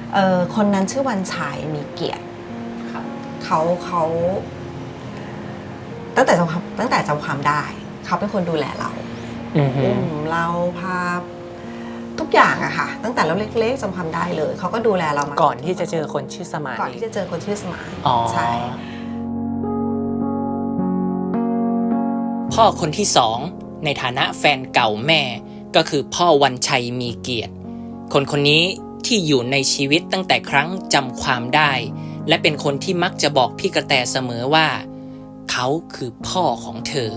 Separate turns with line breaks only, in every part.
คนนั้นชื่อวันชัยมีเกียรติเขาตั้งแต่จำความได้เขาเป็นคนดูแลเราอุ้มเราพาทุกอย่างอะค่ะตั้งแต่เราเล็กๆจำความได้เลยเขาก็ดูแลเรามา
ก่อนที่จะเจอคนชื่อสมาน
ก่อนที่จะเจอคนชื่อสมานใช่
พ่อคนที่สองในฐานะแฟนเก่าแม่ก็คือพ่อวันชัยมีเกียรติคนนี้ที่อยู่ในชีวิตตั้งแต่ครั้งจำความได้และเป็นคนที่มักจะบอกพี่กระแตเสมอว่าเขาคือพ่อของเธอ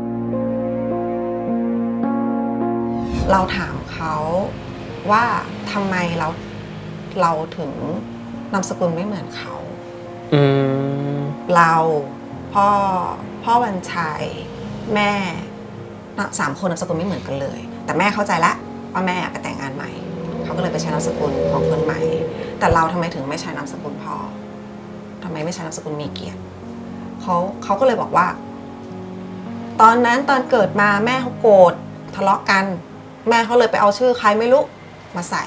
เราถามเขาว่าทำไมเราถึงนามสกุลไม่เหมือนเขาเราพ่อวันชัยแม่3 คนนามสกุลไม่เหมือนกันเลยแต่แม่เข้าใจแล้วว่าแม่ไปแต่งงานใหม่เขาก็เลยไปใช้นามสกุลของคนใหม่แต่เราทำไมถึงไม่ใช้นามสกุลพ่อทำไมไม่ใช้นามสกุลมีเกียรติเขาก็เลยบอกว่าตอนนั้นตอนเกิดมาแม่เขาโกรธทะเลาะกันแม่เขาเลยไปเอาชื่อใครไม่รู้มาใส่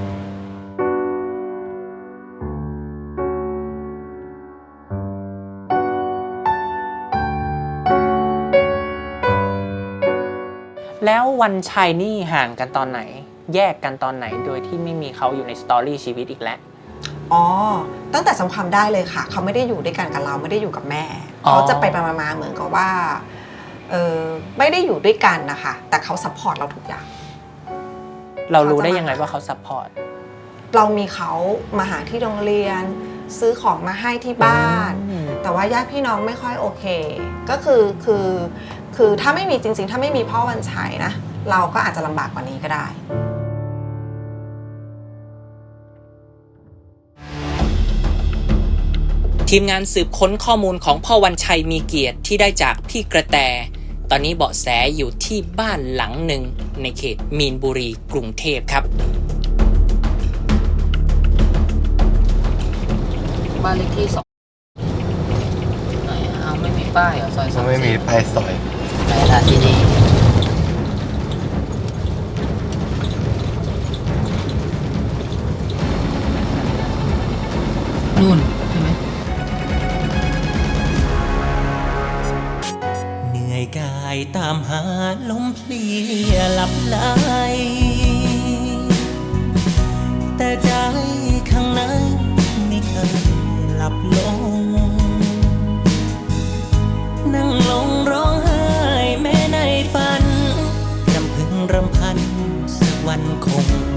แล้ววันชัยนี่ห่างกันตอนไหนแยกกันตอนไหนโดยที่ไม่มีเขาอยู่ในสตอรี่ชีวิตอีกแล้ว
ตั้งแต่จำความได้เลยค่ะเขาไม่ได้อยู่ด้วยกันกับเราไม่ได้อยู่กับแม่เขาจะไปมาเหมือนกับว่าไม่ได้อยู่ด้วยกันนะคะแต่เขาซัพพอร์ตเราทุกอย่าง
เรารู้ได้ยังไงว่าเขาซัพพอร์ต
เรามีเขามาหาที่โรงเรียนซื้อของมาให้ที่บ้านแต่ว่าญาติพี่น้องไม่ค่อยโอเคก็คือถ้าไม่มีจริงๆถ้าไม่มีพ่อวันชัยนะเราก็อาจจะลำบากกว่านี้ก็ได้
ทีมงานสืบค้นข้อมูลของพ่อวันชัยมีเกียรติที่ได้จากพี่กระแตตอนนี้เบาะแสอยู่ที่บ้านหลังหนึ่งในเขตมีนบุรีกรุงเทพครับ
บ้านเลขที่2ไหนเอาไม่มีป้ายเหรอซอย
ไม่มีป้ายซอย
ไหนล่ะที่นี่นู่นใช่ไหม
เหนื่อยกายตามหาลมเพลียหลับไหลแต่ใจข้างในไม่เคยหลับลงนั่งลงร้องไห้แม้ในฝันรำพึงรำพันสักวันคง